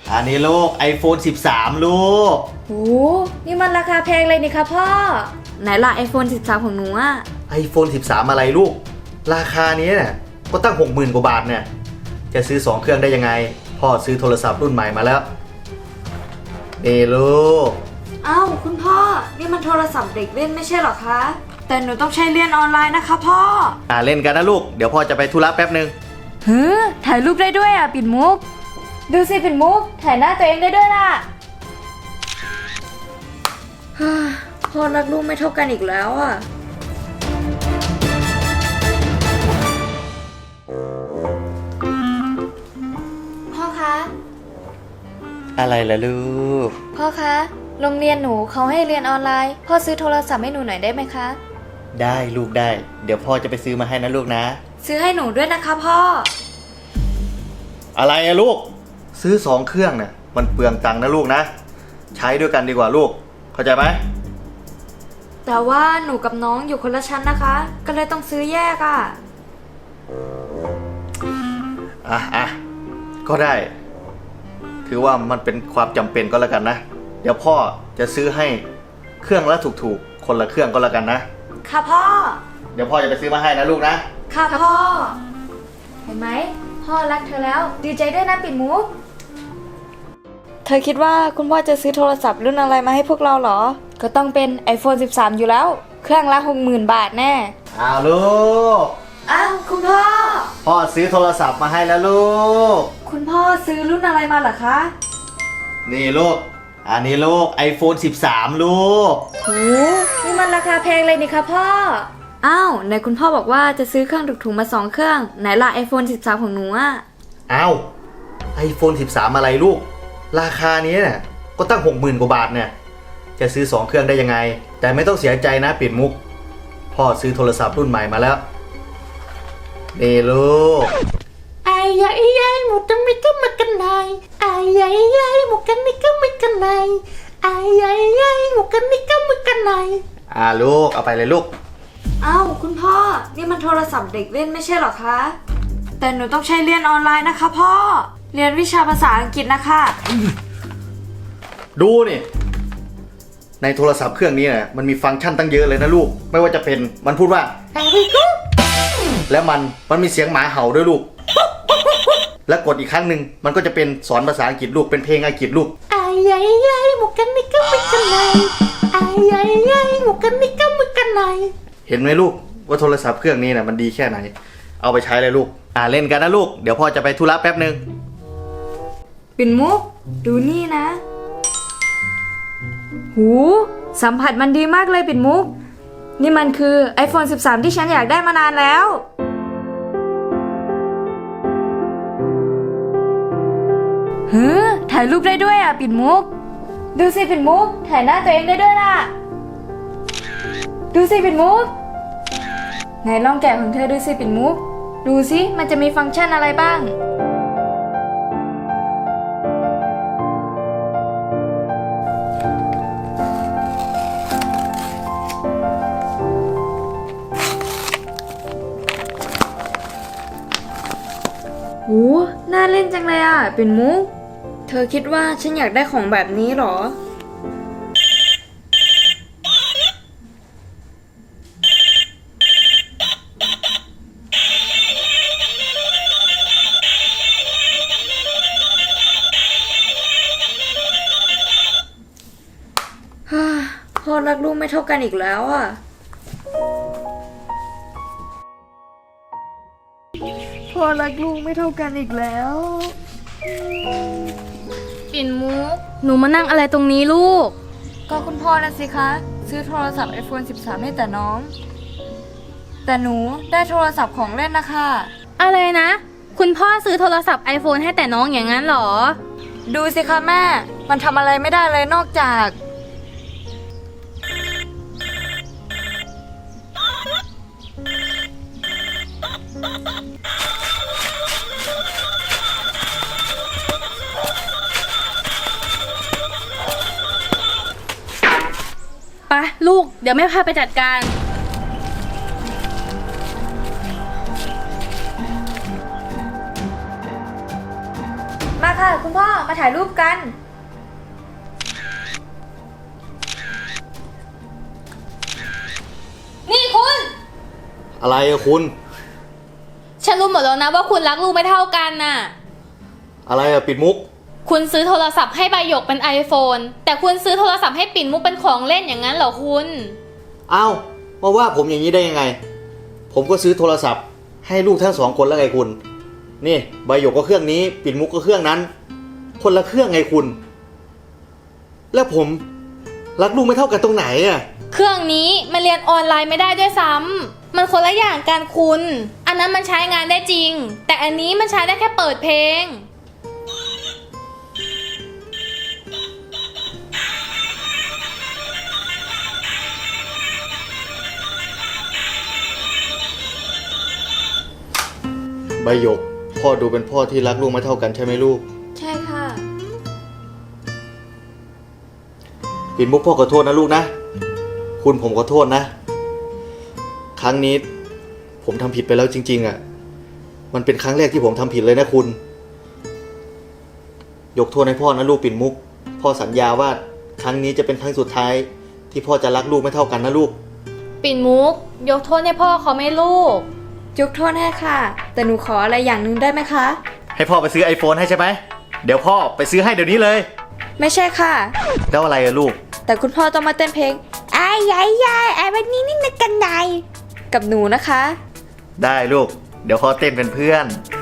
อันนี้ลูก iPhone 13 ลูกโอ้นี่มันราคาแพงเลยนี่คะพ่อไหนล่ะ iPhone 13 ของหนูอะ iPhone 13 อะไรลูกราคานี้เนี่ยก็ตั้ง 60,000 กว่าบาทเนี่ยจะซื้อ2เครื่องได้ยังไงพ่อซื้อโทรศัพท์รุ่นใหม่มาแล้วนี่ลูกอ้าวคุณพ่อนี่มันโทรศัพท์เด็กเล่นไม่ใช่หรอคะแต่หนูต้องใช้เรียนออนไลน์นะคะพ่อเล่นกันนะลูกเดี๋ยวพ่อจะไปธุระแป๊บนึงถ่ายรูปได้ด้วยอ่ะปิ่นมุกดูสิปิ่นมุกถ่ายหน้าตัวเองได้ด้วยล่ะพ่อรักลูกไม่เท่ากันอีกแล้วอ่ะพ่อคะอะไรล่ะลูกพ่อคะโรงเรียนหนูเขาให้เรียนออนไลน์พ่อซื้อโทรศัพท์ให้หนูหน่อยได้ไหมคะได้ลูกได้เดี๋ยวพ่อจะไปซื้อมาให้นะลูกนะซื้อให้หนูด้วยนะคะพ่ออะไรอะลูกซื้อ2เครื่องเนี่ยมันเปลืองตังค์นะลูกนะใช้ด้วยกันดีกว่าลูกเข้าใจไหมแต่ว่าหนูกับน้องอยู่คนละชั้นนะคะก็เลยต้องซื้อแยกก็ได้ถือว่ามันเป็นความจำเป็นก็แล้วกันนะเดี๋ยวพ่อจะซื้อให้เครื่องละถูกๆคนละเครื่องก็แล้วกันนะค่ะพ่อเดี๋ยวพ่อจะไปซื้อมาให้นะลูกนะค่ะพ่อเห็นไหมพ่อรักเธอแล้วดีใจด้วยนะปิ่นมุกเธอคิดว่าคุณพ่อจะซื้อโทรศัพท์รุ่นอะไรมาให้พวกเราเหรอก็ต้องเป็น iPhone 13 อยู่แล้วเครื่องละ 60,000 บาทแน่ลูกคุณพ่อพ่อซื้อโทรศัพท์มาให้แล้วลูกคุณพ่อซื้อรุ่นอะไรมาเหรอคะนี่ลูกอันนี้ลูก iPhone 13 ลูกโอ้นี่มันราคาแพงเลยนี่คะพ่อไหนคุณพ่อบอกว่าจะซื้อเครื่องถูกๆมา2เครื่องไหนล่ะ iPhone 13 ของหนู iPhone 13 อะไรลูกราคานี้เนี่ยก็ตั้ง 60,000 กว่าบาทเนี่ยจะซื้อ2เครื่องได้ยังไงแต่ไม่ต้องเสียใจนะปิ่นมุกพ่อซื้อโทรศัพท์รุ่นใหม่มาแล้วนี่ลูก Ai ai một trăm mấy cái mặt cành này ai một cái mấy cái mặt cành này ai một cái mấy cái mặt cành này ลูกเอาไปเลยลูกคุณพ่อนี่มันโทรศัพท์เด็กเล่นไม่ใช่หรอคะแต่หนูต้องใช้เรียนออนไลน์นะคะพ่อเรียนวิชาภาษาอังกฤษนะคะดูนี่ในโทรศัพท์เครื่องนี้เนี่ยมันมีฟังก์ชันตั้งเยอะเลยนะลูกไม่ว่าจะเป็นมันพูดว่าแล้วมันมีเสียงหมาเห่าด้วยลูกแล้วกดอีกครั้งหนึ่งมันก็จะเป็นสอนภาษาอังกฤษลูกเป็นเพลงอังกฤษลูก ai một cái mấy cái mặt cành này ai một cái mấy cái mặt cành này เห็นไหมลูกว่าโทรศัพท์เครื่องนี้น่ะมันดีแค่ไหนเอาไปใช้เลยลูกเล่นกันนะลูกเดี๋ยวพ่อจะไปธุระแป๊บนึงปิ่นมุกดูนี่นะหูสัมผัสมันดีมากเลยปิ่นมุกนี่มันคือ iPhone 13 ที่ฉันอยากได้มานานแล้วถ่ายรูปได้ด้วยปิ่นมุกดูสิปิ่นมุกถ่ายหน้าตัวเองได้ด้วยล่ะดูสิปิ่นมุกไหนลองแกะของเธอดูสิปิ่นมุกดูสิมันจะมีฟังก์ชันอะไรบ้างน่าเล่นจังเลยปิ่นมุกเธอคิดว่าฉันอยากได้ของแบบนี้หรอพ่อรักลูกไม่เท่ากันอีกแล้วพ่อรักลูกไม่เท่ากันอีกแล้วปิ่นมุกหนูมานั่งอะไรตรงนี้ลูกก็คุณพ่อนะสิคะซื้อโทรศัพท์ iPhone 13 ให้แต่น้องแต่หนูได้โทรศัพท์ของเล่นนะคะอะไรนะคุณพ่อซื้อโทรศัพท์ iPhone ให้แต่น้องอย่างนั้นหรอดูสิคะแม่มันทำอะไรไม่ได้เลยนอกจากไปลูกเดี๋ยวแม่พาไปจัดการมาค่ะ คุณพ่อมาถ่ายรูปกันนี่คุณอะไรอะคุณฉันรู้หมดแล้วนะว่าคุณรักลูกไม่เท่ากันน่ะอะไรอะปิดมุกคุณซื้อโทรศัพท์ให้ใบหยกเป็น iPhone แต่คุณซื้อโทรศัพท์ให้ปิ่นมุกเป็นของเล่นอย่างนั้นเหรอคุณเอ้ามาว่าผมอย่างนี้ได้ยังไง ผมก็ซื้อโทรศัพท์ให้ลูกทั้งสองคนแล้วไงคุณ นี่ใบหยกก็เครื่องนี้ ปิ่นมุกก็เครื่องนั้น คนละเครื่องไงคุณ แล้วผมรักลูกไม่เท่ากันตรงไหนอะเครื่องนี้มันเรียนออนไลน์ไม่ได้ด้วยซ้ำมันคนละอย่างกันคุณ อันนั้นมันใช้งานได้จริง แต่อันนี้มันใช้ได้แค่เปิดเพลงใบหยก พ่อดูเป็นพ่อที่รักลูกไม่เท่ากันใช่ไหมลูกใช่ค่ะปิ่นมุกพ่อขอโทษนะลูกนะ คุณผมขอโทษนะ ครั้งนี้ผมทำผิดไปแล้วจริงๆอ่ะ มันเป็นครั้งแรกที่ผมทำผิดเลยนะคุณ ยกโทษให้พ่อนะลูกปิ่นมุก พ่อสัญญาว่าครั้งนี้จะเป็นครั้งสุดท้ายที่พ่อจะรักลูกไม่เท่ากันนะลูกปิ่นมุก ยกโทษให้พ่อเขาไหม่ลูกยกโทษให้ค่ะ แต่หนูขออะไรอย่างหนึ่งได้ไหมคะให้พ่อไปซื้อ iPhone ให้ใช่ไหม เดี๋ยวพ่อไปซื้อให้เดี๋ยวนี้เลยไม่ใช่ค่ะแล้วอะไรอะลูกแต่คุณพ่อต้องมาเต้นเพลงไอ้ยายยายไอ้วันนี้นี่นักกันไดกับหนูนะคะได้ลูก เดี๋ยวพ่อเต้นเป็นเพื่อนไ